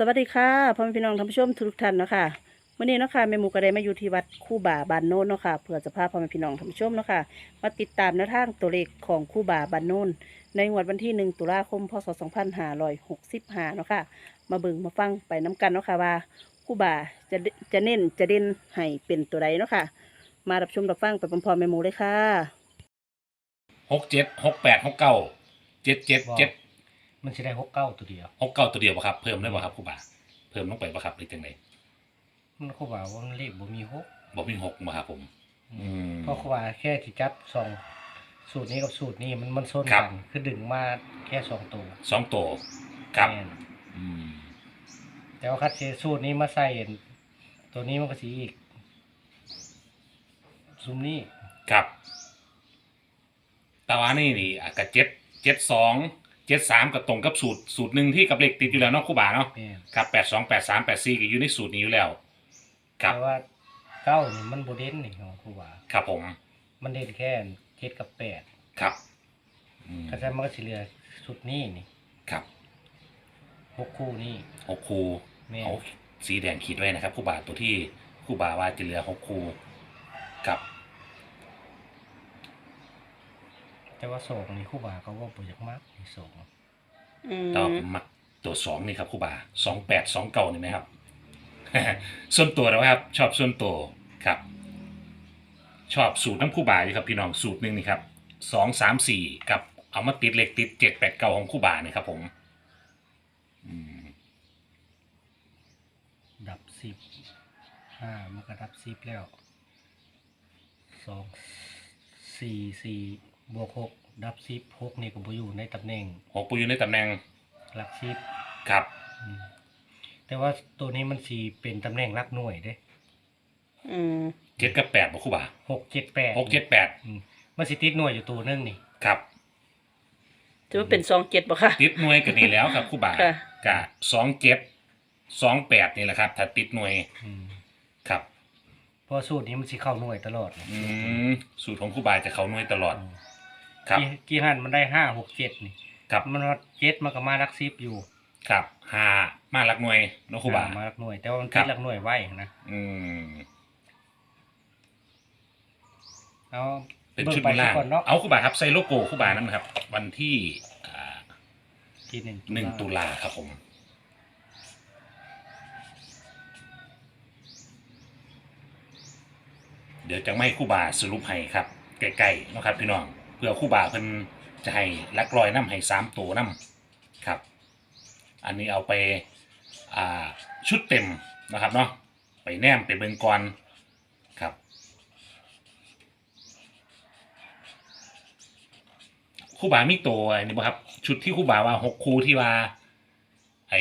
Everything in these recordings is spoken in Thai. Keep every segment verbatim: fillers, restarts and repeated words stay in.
วัสดีค่ะพ่อแม่พี่น้องท่านผู้ชมทุกท่านเนาะค่ะวันนี้เนาะค่ะแม่หมูก็ได้มาอยู่ที่วัดคู่บ่าบานโน้นเนาะค่ะเพื่อจะพาพ่อแม่พี่น้องท่านผู้ชมเนาะค่ะมาติดตามแนวทางตัวเลขของคู่บ่าบานโน้นในงวดวันที่หนึ่งตุลาคมพศสองพันห้าร้อยหกสิบห้าเนาะค่ะมาเบิ่งมาฟังไปน้กันเนาะค่ะว่าคู่บ่าจะจะเน้นจะเด่นให้เป็นตัวใดเนาะค่ะมารับชมรับฟังไปพร้อมๆแม่หมูเลยค่ะหกเจ็ดหกแปดหกเก้าเจ็ดเจ็ดเจ็ดมันจะได้หกเก้าตัวเดียวหกเก้าตัวเดียวป่ะครับเพิ่มได้ป่ะครับครูบาเพิ่มลงไปป่ะครับหรือจังไดมันเขาบอกว่ามันเลขบ่มีหกบอกมีหกมาครับผม อืมเพราะเขาว่าแค่ที่จับสองสูตรนี้กับสูตรนี้มันมันส้นครักับ นคือดึงมาแค่สองตัวสองตัวครับแม่นอืมแต่ว่าคัดเชสูตรนี้มาใส่ตัวนี้มันก็สีอีกซุมนี้ครับแต่ว่านี่นี่อ่ะกับเจ็ดเจ็ดสองเจ็ดสามกับตรงกับสูตรสูตรหนึ่งที่กับเลขติดอยู่แล้วเนาะครูบาเนาะแม่นครับแปดสองแปดสามแปดสี่ก็อยู่ในสูตรนี้อยู่แล้วครับแต่ว่าเก้านี่มันโบเด่นนี่ของครูว่าครับผมมันเด่นแค่เจ็ดกับแปดครับอืมก็จะมันก็สิเหลือสุดนี้นี่ครับหกคู่นี่หกคูแม่นเอาสีแดงขีดไว้นะครับครูบาตัวที่ครูบาว่าจะเหลือหกคูครับแต่ว่าสองนี่ครูว่าเขาว่าบ่อยากมากนี่สองอืมแต่ว่าผมมักตัวสองนี่ครับครูบาสองแปดสองเก้านี่ไหมครับ ส่วนตัวนะครับ ชอบส่วนตัวครับ ชอบสูตรน้ำครูบาอยู่ครับพี่น้องสูตรหนึ่งนี่ครับสองสามสี่กับเอามาติดเหล็กติดเจ็ดแปดเก้าของครูบานี่ครับผมอืมดับสิบห้ามันก็ดับสิบแล้วสองสี่สี่บวกหกดับสิบหกนี่ก็บ่อยู่ในตำแหน่งหกปูอยู่ในตำแหน่งหลักสิบครับอืมแต่ว่าตัวนี้มันสีเป็นตำแหน่งหลักหน่วยเด้อืมเจ็ดกับแปดบอกครูบาหกเจ็ดแปดหกเจ็ดแปดอืมมันสิติดหน่วยอยู่ตัวหนึงนี่ครับถือว่าเป็นสองเจ็ดบ่ค่ะติดหน่วยกันนี่แล้วครับครูบาค่ะกะสองเจ็ดสองแปดนี่แหละครับ ถ้าติดหน่วยอืมครับเพราะสูตรนี้มันสิเข้าหน่วยตลอดอืมสูตรของครูบาจะเขาหน่วยตลอด ครับกี่กี่หันมันได้ห้าหกเจ็ดนี่ครับมันว่าเจ็ดมันก็มาหลักสิบอยู่ครับหามาลักหน่วยเนาะครูบาอ่มาหลักหน่วย แต่ว่ามันครัติบดหลักหน่วยไว้นะอืมเอาเป็นบิ่ชุดไปบนล่างก่อนเนาะเอาครูบาครับใส่โลโก้ครูบานั่นนะครับ วันที่อ่าที่หนึ่งหนึ่งตุลาครับผม เดี๋ยวจะไม่ครู่บาสรุปให้ครับใกล้ๆเนาะครับพี่น้องเพื่อครู่บาเพิ่นจะให้ลักลอยน้ำให้สามตัวน้ำครับ อันนี้เอาไปอ่าชุดเต็มนะครับเนาะไปแนมไปเบิงกรครับครู่บามีตัวอันนี้บ่ครับชุดที่ครู่บาว่าหกคู่ที่ว่าไอ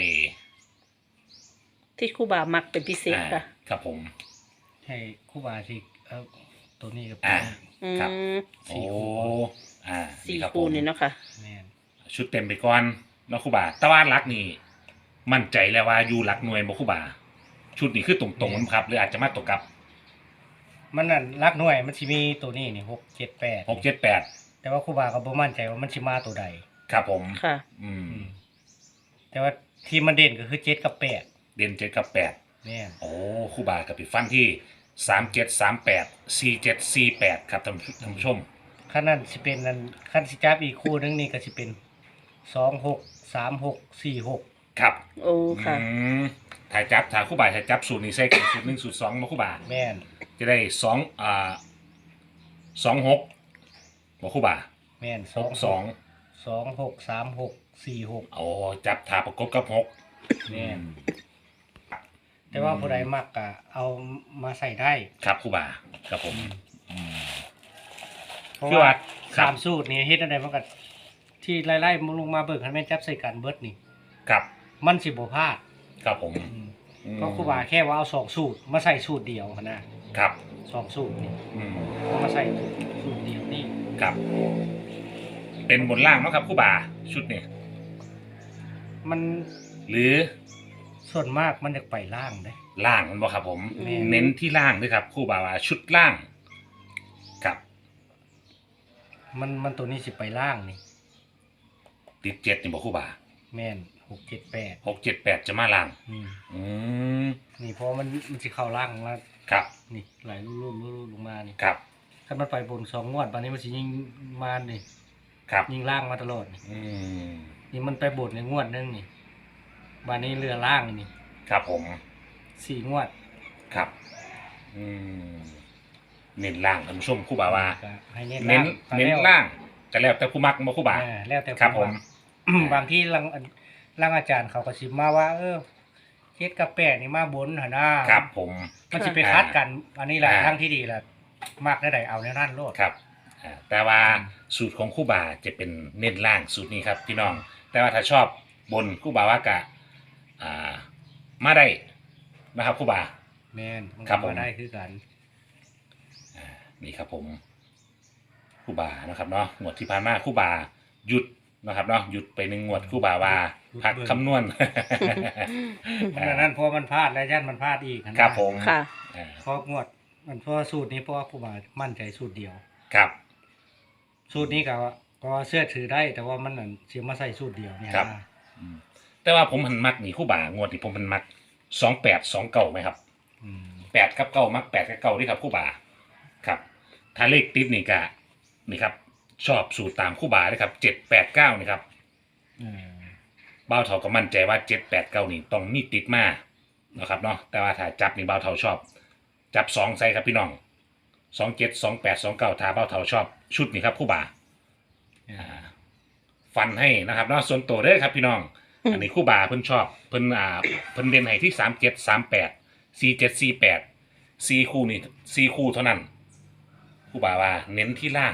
ที่ครูบามักเป็นพิเศษอ่า Ah. ค่ะครับผมให้ครู่บาสิเอาตัวนี้กับอ่าอืครับมโอ้อ่าสี่รับคูผมนี่เนาะค่ะแม่นชุดเต็มไปก่อนเนาะครูบาแตะวันรักนี่มั่นใจแล้วว่าอยู่หลักหน่วยบ่ครูบา ชุดนี้คือตรงๆมันครับหรืออาจจะมาตกกับมันนั่นหลักหน่วยมันสิมีตัวนี้นี่หกเจ็ดแปดหกเจ็ดแปดแต่ว่าครู่บาก็บ่มั่นใจว่ามันสิมาตัวใดครับผมค่ะอืมอืมแต่ว่าที่มันเด่นก็คือเจ็ดกับแปดเด่นเจ็ดกับแปดแม่นโอ้ครูบากับปิดฟันที่สามเจ็ดสามแปดสี่เจ็ดสี่แปดครับท่านท่านผู้ชมขั้นนั้นสิเป็นนั้นขั้นสิจับอีกคู่หนึงนี่ก็สิเป็นสองหกสามหกสี่หกครับโอ้ค่ะอืมถ่ายจับถ่ายครูบาถ่ายจับสูตรนี้ใส่กันสูตรหนึ่งสูตรสองมาครูบาแม่นจะได้สองอ่าสองหกมาครูบาแม่นหกสองสองหกสามหกสี่หกโอ้จับถาประกบกับหกแม่นแต่ว่าผู้ใดมักก็เอามาใส่ได้ครับครูบาครับผมอืมเพราะคือว่าว่าครับสามสูตรนี่เฮ็ดอะไรมันก็ที่ไล่ๆมึงลงมาเบิกให้แม่นจับใส่กันเบิดนี่ครับมันสิบ่พลาดครับผมอืมอืมเพราะครูบาแค่ว่าเอาสองสูตรมาใส่สูตรเดียวหั้นนะครับ สองสูตรนี่อืมเอามาใส่สูตรเดียวนี่ครับ เป็นบนล่างเนาะครับครูบาชุดนี้มันหรือส่วนมากมันจะไปล่างเด้ล่างมันบอกครับผมแม่นเน้นที่ล่างด้วยครับครูบาว่าชุดล่างครับมันมันตัวนี้สิไปล่างนี่ติดเจ็ดนี่บอกครูบาแม่นหกเจ็ดแปดหกเจ็ดแปดจะมาล่างอืมอืมนี่เพราะมันมันสิเข้าล่างแล้วครับนี่ไหลรูดๆรูดๆลงมานี่ครับถ้ามันไปบนสองงวดตอนนี้มันสิยิงมานี่ครับยิงล่างมาตลอดนี่อืมนี่มันไปบนในงวดนึงนี่บานนี้เรือล่างนี่ครับผมสี่งวดครับอืมเน้นล่างท่านผู้ชมครู่บ่าว่าก็ให้เน้นเน้นก็เน้นแล้วล่างก็แล้วแต่ผู้มักมาครู่บ่าเออแล้วแต่ครับผมว่า บางที่ลังลังอาจารย์เขาก็สิมาว่า เออเจ็ดกับแปดนี่มาบนหนนะครับผมมันสิไปคัดกัน อันนี้แหละอ่าทั้งที่ดีแหละมากได้ใดเอาในนั่นโลดครับอ่าแต่ว่าสูตรของครู่บ่าจะเป็นเน้นล่างสูตรนี้ครับพี่น้อง แต่ว่าถ้าชอบบนครู่บ่าว่ากะอ่ามาได้นะครับครู่บ่าแม่นมันครัก็บผมมาได้คือกันอ่านี่ครับผมครู่บ่านะครับเนาะงวดที่ผ่านมาครู่บ่าหยุดนะครับเนาะหยุดไปหนึ่งงวดครู่บ่าว่าพักคำนวณมันอันนั้นเพราะมันพลาดแล้วยันมันพลาดอีกนะครับผมค่ะอ่าเพราะงวดมันเพราะสูตรนี้เพราะว่าผู้บ่ามั่นใจสูตรเดียวครับสูตรนี้ก็ก็เชื่อถือได้ แต่ว่ามันนั่นเสียมาใส่สูตรเดียวเนี่ยครับ อืมแต่ว่าผมหันมักนี่ครู่บ่างวดนี่ผมมันมักสองแปดสองเก่าไหมครับอืมแปดกับเก้ามักแปดกับเก้าด้วยครับครู่บ่าครับ ถ้าเลขติดนี่กะนี่ครับ ชอบสูตรตามครู่บ่าเลยครับเจ็ดแปดเก้านี่ครับเออเบ้าเท่าก็มั่นใจว่าเจ็ดแปดเก้านี่ต้องมีติดมานะครับเนาะแต่ว่าถ้าจับนี่เบ้าเท่าชอบ จับสองใส่ครับพี่น้องสองเจ็ดสองแปดสองเก้าถ้าเบ้าเท่าชอบชุดนี่ครับครู่บ่าเออฟันให้นะครับเนาะส่วนตัวเด้อครับพี่น้องอืมอันนี้ครู่บาเพิ่นชอบเพิ่นอ่าเพิ่นเด่นให้ที่สามเจ็ดสามแปดสี่เจ็ดสี่แปดสี่คู่นี่สี่คู่เท่านั้นครู่บาว่าเน้นที่ล่าง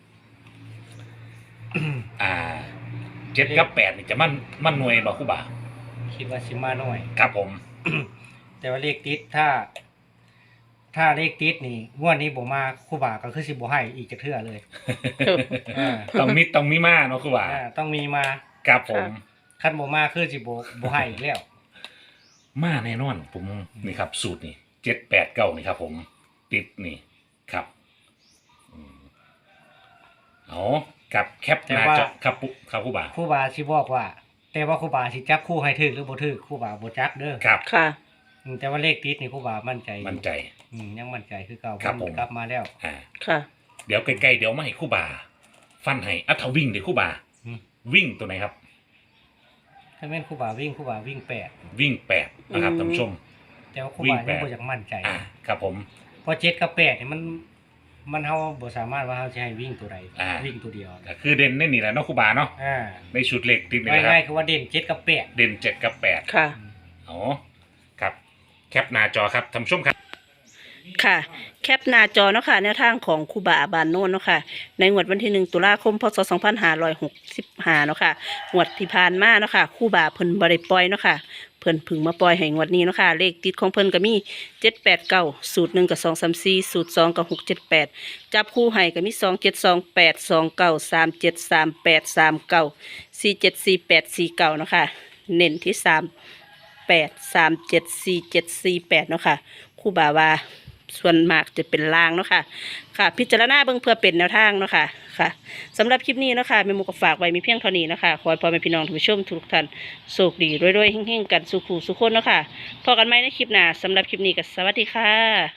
อ่าเจ็ดกับแปดนี่จะมั่นมั่นหน่วยบ่ครู่บาคิดว่าสิมาหน่อยครับผมแต่ว่าเลขติดถ้า ถ้าเลขติดนี่งวดนี้บ่มาครู่บ่าก็คือสิบ่ให้อีกจะเทื่อเลยอ่าต้องมีต้องมีมาเนาะครู่บาอ่าต้องมีมาครับผมคันบ่มาคือสิบ่บ่ให้อีกแล้วมาแน่นอนผมนี่ครับ สูตรนี่เจ็ดแปดเก้านี่ครับ ผมติดนี่ครับอืมเอากับแคปหน้าจอครับปุ๊ครับครู่บาครู่บ่าสิบอกว่า แต่ว่าครู่บ่าสิจับคู่ให้ถึกหรือบ่ถึกครู่บ่าบ่จักเด้อครับค่ะอืมแต่ว่าเลขติดนี่ครู่บ่ามั่นใจอยู่มั่นใจอืมยังมั่นใจคือเก่าครับผมกลับมาแล้วอ่าค่ะเดี๋ยวใกล้ๆเดี๋ยวมาให้ครู่บา ฟันให้อัถ้าวิ่งเดี๋ยวครู่บาอืมวิ่งตัวไหนครับถ้าแม่นครู่บ่าวิ่งครู่บ่าวิ่งแปดวิ่งแปดนะครับอืมท่านผู้ชมแต่ว่าครู่วิ่งบ่าแปยังดบ่อยากมั่นใจอ่าครับผมเพราะเจ็ดกับแปดนี่มัน มันเฮาบ่สามารถว่าเฮาจะให้วิ่งตัวใดอ่าวิ่งตัวเดียวก็คือเด่นในนี่แหละเนาะครู่บาเนาะอ่าในชุดเล็กติดนี่แหละคง่ารัยบๆคือว่าเด่นเจ็ดกับแปดเด่นเจ็ดกับแปดค่ะอ๋อครับแคปหน้าจอครับท่านผู้ชมครับค่ะ แคปหน้าจอเนาะค่ะแนวทางของครูบาบานโน่นเนาะค่ะ ในงวดวันที่หนึ่งตุลาคมพศสองพันห้าร้อยหกสิบห้าเนาะค่ะงวดที่ผ่านมาเนาะค่ะครูบาเพิ่นบ่ได้ปล่อยเนาะค่ะเพิ่นเพึ่งมาปล่อยให้งวดนี้เนาะค่ะเลขติดของเพิ่นก็มีเจ็ดแปดเก้าสูตรหนึ่งกับสองสามสี่สูตรสองกับหกเจ็ดแปดจับคู่ให้ก็มีสองเจ็ดสองแปดสองเก้าสามเจ็ดสามแปดสามเก้าสี่เจ็ดสี่แปดสี่เก้าเนาะค่ะเน้นที่สามแปดสามเจ็ดสี่เจ็ดสี่แปดเนาะค่ะครูบาว่าส่วนมากจะเป็นลางเนาะค่ะค่ะ พิจารณาเบิ่งเพื่อเป็นแนวทางเนาะค่ะค่ะสำหรับคลิปนี้เนาะค่ะแม่หมูก็ฝากไว้มีเพียงเท่านี้เนาะค่ะขอให้พ่อแม่พี่น้องท่านผู้ชมทุกท่านโชคดีรวยๆเฮงๆกันสุขุสุขคนเนาะค่ะพบกันใหม่ในคลิปหน้าสำหรับคลิปนี้ก็สวัสดีค่ะ